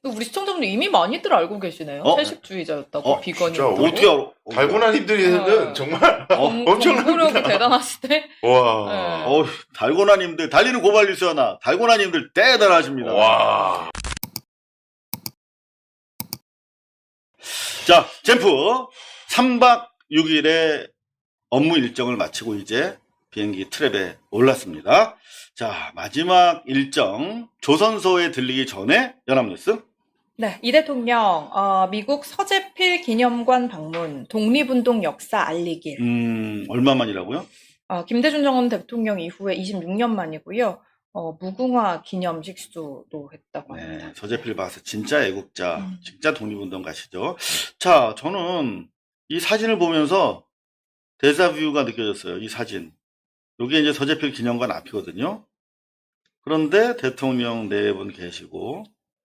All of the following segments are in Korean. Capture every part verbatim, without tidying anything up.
우리 시청자분들 이미 많이들 알고 계시네요. 어? 채식주의자였다고, 어, 진짜 비건이었다고. 어떻게 알아? 달고나님들은 네. 정말 어, 엄청납니다. 공부력이 대단하시대. 와. 네. 어, 달고나님들 달리는 고발 뉴스 하나. 달고나님들 대단하십니다. 와. 자, 잼프 삼 박 육 일의 업무 일정을 마치고 이제 비행기 트랩에 올랐습니다. 자, 마지막 일정 조선소에 들리기 전에 연합뉴스. 네, 이 대통령 어, 미국 서재필 기념관 방문, 독립운동 역사 알리길. 음, 얼마만이라고요? 어, 김대중 전 대통령 이후에 이십육 년 만이고요. 어, 무궁화 기념식 수도 했다고 합니다. 네, 서재필 박사 진짜 애국자, 음. 진짜 독립운동 가시죠. 자, 저는 이 사진을 보면서 데자뷰가 느껴졌어요. 이 사진. 이게 이제 서재필 기념관 앞이거든요. 그런데 대통령 네 분 계시고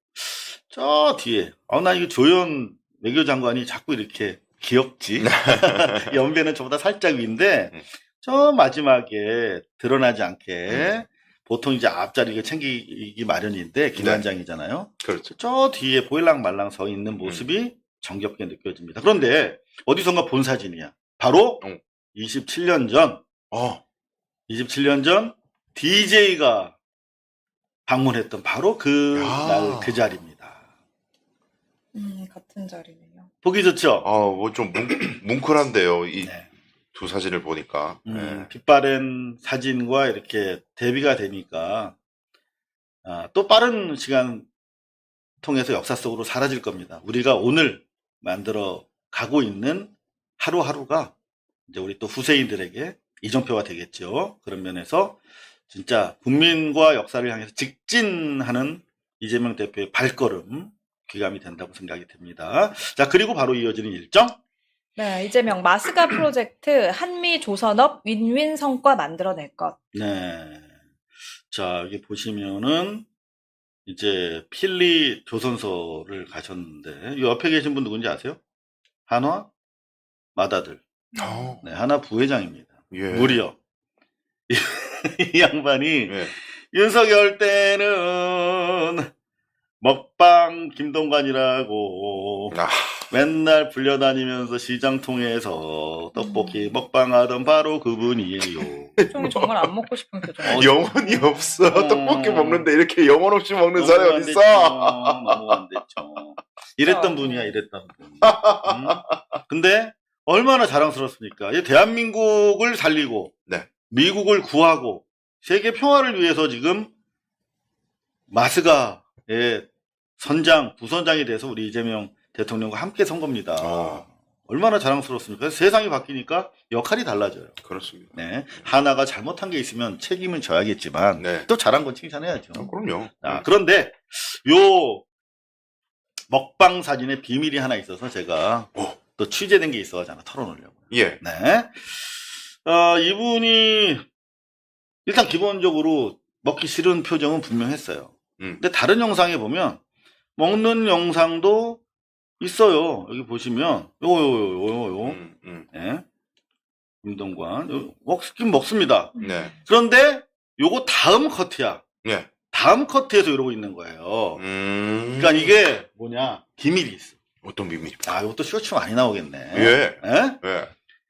저 뒤에 아, 나 이거 조현 외교장관이 자꾸 이렇게 귀엽지. 연배는 저보다 살짝 위인데 저 마지막에 드러나지 않게 보통 이제 앞자리가 챙기기 마련인데 기관장이잖아요. 그렇죠. 저 뒤에 보일랑 말랑 서 있는 모습이 정겹게 느껴집니다. 그런데 어디선가 본 사진이야. 바로 응. 이십칠 년 전, 어. 이십칠 년 전 디제이가 방문했던 바로 그 야. 날 그 자리입니다. 음, 같은 자리네요. 보기 좋죠? 아, 뭐 좀 뭉클한데요. 이 두 네. 사진을 보니까. 음, 네. 빛바랜 사진과 이렇게 대비가 되니까 아, 또 빠른 시간 통해서 역사 속으로 사라질 겁니다. 우리가 오늘 만들어 가고 있는 하루하루가 이제 우리 또 후세인들에게 이정표가 되겠죠. 그런 면에서 진짜 국민과 역사를 향해서 직진하는 이재명 대표의 발걸음 귀감이 된다고 생각이 됩니다. 자, 그리고 바로 이어지는 일정. 네, 이재명 마스가 프로젝트 한미 조선업 윈윈 성과 만들어낼 것. 네. 자, 여기 보시면은 이제 필리 조선소를 가셨는데 이 옆에 계신 분 누군지 아세요? 한화 마다들. 어. 네, 한화 부회장입니다. 예. 무려 이, 이 양반이 예. 윤석열 때는 먹방 김동관이라고 아. 맨날 불려다니면서 시장 통해서 떡볶이 음. 먹방하던 바로 그분이에요. 표정이 정말 안 먹고 싶은 표정. 어, 영혼이 없어. 어. 떡볶이 먹는데 이렇게 영혼 없이 먹는 너무 사람이 안 어딨어? 됐죠. 너무 안 됐죠. 이랬던 어. 분이야, 이랬던 분. 음? 근데 얼마나 자랑스럽습니까? 이 대한민국을 살리고 네. 미국을 구하고 세계 평화를 위해서 지금 마스가의 선장, 부선장이 돼서 우리 이재명 대통령과 함께 선 겁니다. 어. 얼마나 자랑스럽습니까? 세상이 바뀌니까 역할이 달라져요. 그렇습니다. 네. 하나가 잘못한 게 있으면 책임은 져야겠지만 네. 또 잘한 건 칭찬해야죠. 어, 그럼요. 아, 그런데 요 먹방 사진에 비밀이 하나 있어서 제가 오. 또 취재된 게 있어가지고 하나 털어놓으려고요. 예. 네. 어, 이분이 일단 기본적으로 먹기 싫은 표정은 분명했어요. 음. 근데 다른 영상에 보면 먹는 영상도 있어요. 여기 보시면 요거 요거 요거 요거 음, 음. 네. 김동관 요, 먹긴 먹습니다. 네. 그런데 요거 다음 커트야. 예. 다음 커트에서 이러고 있는 거예요. 음. 그러니까 이게 뭐냐 비밀이 있어. 어떤 비밀입니까? 아, 이것도 쇼츠 많이 나오겠네. 예. 예? 예.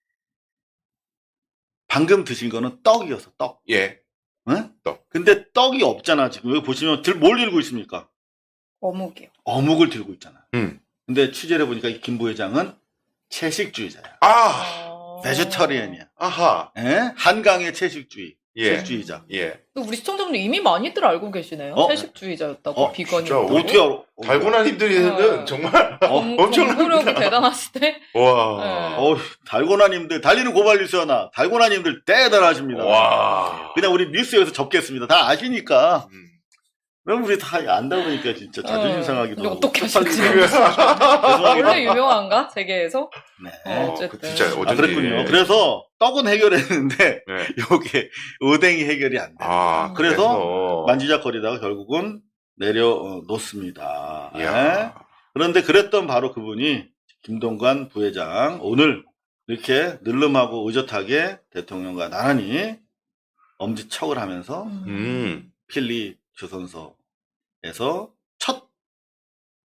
방금 드신 거는 떡이어서 떡. 예. 응? 떡. 근데 떡이 없잖아. 지금 여기 보시면 들, 뭘 들고 있습니까? 어묵이요. 어묵을 들고 있잖아. 음. 근데 취재를 해보니까 이 김 부회장은 채식주의자야. 아. 어... 베지터리언이야. 아하. 예? 한강의 채식주의. 예. 채식주의자. 예. 우리 시청자분들 이미 많이들 알고 계시네요. 어? 채식주의자였다고, 어, 비건이었다고. 진짜 어떻게 알아? 달고나님들은 어. 정말 공, 엄청납니다. 공부력이 대단하시대. 와. 네. 어, 달고나님들, 달리는 고발 뉴스 하나. 달고나님들 대단하십니다. 와. 그냥 우리 뉴스에서 접겠습니다. 다 아시니까. 음. 왜 우리 다 안다 그러니까 진짜 자존심 어, 상하기도 근데 하고. 어떻게 쪽팔리기도 하실지. 하고. 원래 유명한가? 세계에서? 네. 어, 어, 그 어쨌든. 진짜 어쩐지. 아, 그랬군요. 그래서 떡은 해결했는데 네. 요게 오뎅이 해결이 안 돼. 아, 그래서 그래서 만지작거리다가 결국은 내려놓습니다. 이야. 네. 그런데 그랬던 바로 그분이 김동관 부회장 오늘 이렇게 늘름하고 의젓하게 대통령과 나란히 엄지척을 하면서 음. 음. 필리 조선소에서 첫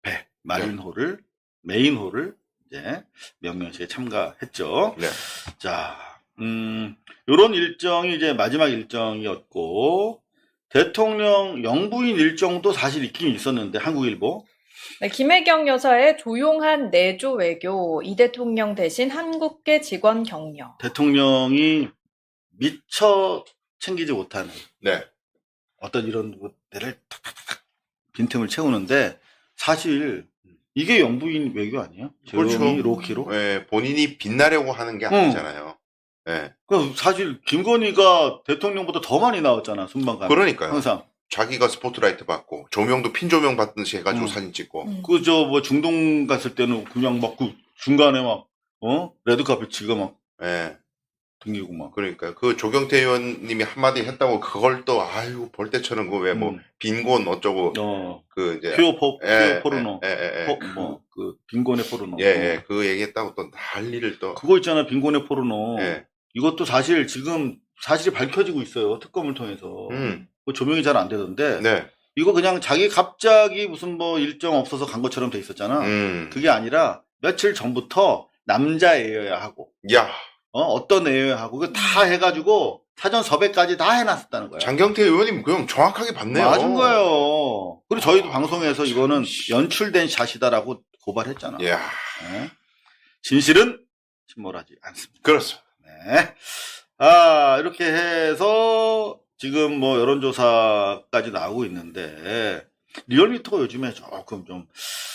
마린홀을 메인홀을 이제 명명식에 참가했죠. 네. 자, 음, 요런 일정이 이제 마지막 일정이었고, 대통령 영부인 일정도 사실 있긴 있었는데, 한국일보. 네, 김혜경 여사의 조용한 내조 외교, 이 대통령 대신 한국계 직원 격려. 대통령이 미처 챙기지 못하는 네. 어떤 이런 데를 탁탁탁 빈틈을 채우는데, 사실 이게 영부인 외교 아니에요? 그렇죠. 조용히 로키로? 예, 본인이 빛나려고 하는 게 아니잖아요. 예. 그 사실 김건희가 대통령보다 더 많이 나왔잖아, 순방가. 그러니까요. 항상. 자기가 스포트라이트 받고 조명도 핀 조명 받듯이 해가지고 음. 사진 찍고. 음. 그 저 뭐 중동 갔을 때는 그냥 막 그 중간에 막 어 레드카펫 지가 막 예. 등기고 막. 그러니까 그 조경태 의원님이 한마디 했다고 그걸 또 아유 볼 때처럼 그 왜 뭐 음. 빈곤 어쩌고 어 그 이제 퓨어 포 예, 퓨어 포르노. 예, 예, 예. 포, 뭐그 빈곤의 포르노. 예, 예, 그 얘기했다고 또 난리를 또. 그거 있잖아, 빈곤의 포르노. 예. 이것도 사실 지금 사실이 밝혀지고 있어요, 특검을 통해서. 음. 그 조명이 잘 안 되던데. 네. 이거 그냥 자기 갑자기 무슨 뭐 일정 없어서 간 것처럼 돼 있었잖아. 음. 그게 아니라 며칠 전부터 남자애여야 하고, 야, 어, 어떤 애여야 하고, 그거 다 해가지고 사전 섭외까지 다 해놨었다는 거야. 장경태 의원님 그냥 정확하게 봤네요. 맞은 거예요. 그리고 저희도 방송에서 이거는 씨. 연출된 샷이다라고 고발했잖아. 야, 네. 진실은 침몰하지 않습니다. 그렇습니다. 네. 아, 이렇게 해서 지금 뭐 여론조사까지 나오고 있는데, 리얼미터가 요즘에 조금 좀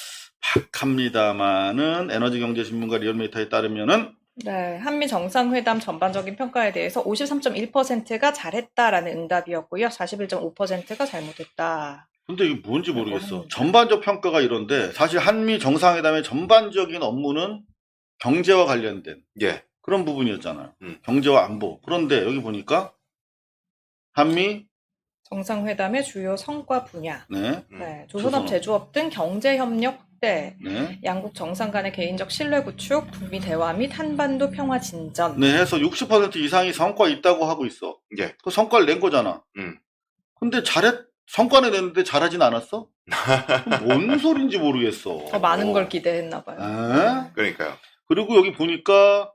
박합니다만은 에너지경제신문과 리얼미터에 따르면은 네, 한미 정상회담 전반적인 평가에 대해서 오십삼 점 일 퍼센트가 잘했다라는 응답이었고요. 사십일 점 오 퍼센트가 잘못했다. 근데 이게 뭔지 모르겠어. 합니다. 전반적 평가가 이런데 사실 한미 정상회담의 전반적인 업무는 경제와 관련된 예. 그런 부분이었잖아요. 음. 경제와 안보. 그런데 여기 보니까 한미 정상회담의 주요 성과 분야. 네, 음. 네, 조선업, 조선업. 제조업 등 경제협력 확대, 네, 양국 정상 간의 개인적 신뢰 구축, 북미 대화 및 한반도 평화 진전. 네 해서 육십 퍼센트 이상이 성과 있다고 하고 있어. 예. 그 성과를 낸 거잖아. 음. 근데 잘했 성과는 냈는데 잘하진 않았어? 그럼 뭔 소린지 모르겠어. 더 많은 걸 기대했나 봐요. 에? 그러니까요. 그리고 여기 보니까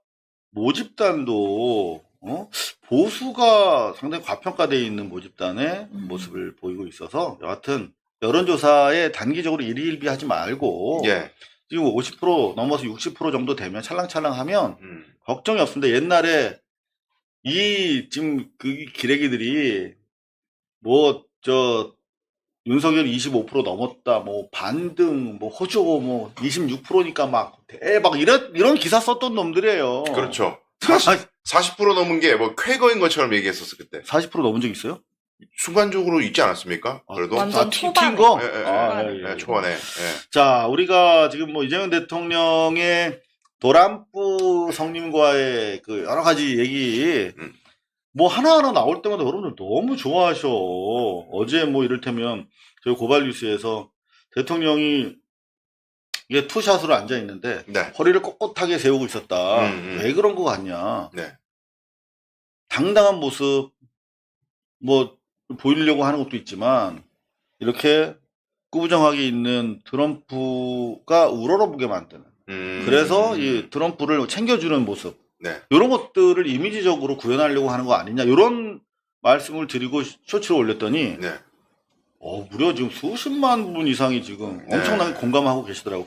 모집단도 어? 보수가 상당히 과평가되어 있는 모집단의 음. 모습을 보이고 있어서 여하튼 여론조사에 단기적으로 일희일비하지 말고 예. 지금 오십 퍼센트 넘어서 육십 퍼센트 정도 되면 찰랑찰랑하면 음. 걱정이 없습니다. 옛날에 이 지금 그 기레기들이 뭐 저 윤석열 이십오 퍼센트 넘었다, 뭐 반등, 뭐 호조 뭐 이십육 퍼센트니까 막 대박 이런 이런 기사 썼던 놈들이에요. 그렇죠. 사십, 사십 퍼센트 넘은 게 뭐 쾌거인 것처럼 얘기했었어 그때. 사십 퍼센트 넘은 적 있어요? 순간적으로 있지 않았습니까? 그래도. 완전 아, 튀- 초반에. 튄 거? 예, 예, 예. 아, 초반에. 예, 예. 예, 초반에. 예. 자, 우리가 지금 뭐 이재명 대통령의 도란뿌 성님과의 그 여러 가지 얘기, 음. 뭐 하나하나 나올 때마다 여러분들 너무 좋아하셔. 어제 뭐 이를테면 저희 고발 뉴스에서 대통령이 이게 투샷으로 앉아 있는데 네. 허리를 꼿꼿하게 세우고 있었다. 음, 음. 왜 그런 거 같냐? 네. 당당한 모습 뭐 보이려고 하는 것도 있지만 이렇게 꾸부정하게 있는 트럼프가 우러러보게 만드는. 음. 그래서 이 트럼프를 챙겨주는 모습. 네. 이런 것들을 이미지적으로 구현하려고 하는 거 아니냐. 이런 말씀을 드리고 쇼츠를 올렸더니 네. 어, 무려 지금 수십만 분 이상이 지금 네. 엄청나게 공감하고 계시더라고요.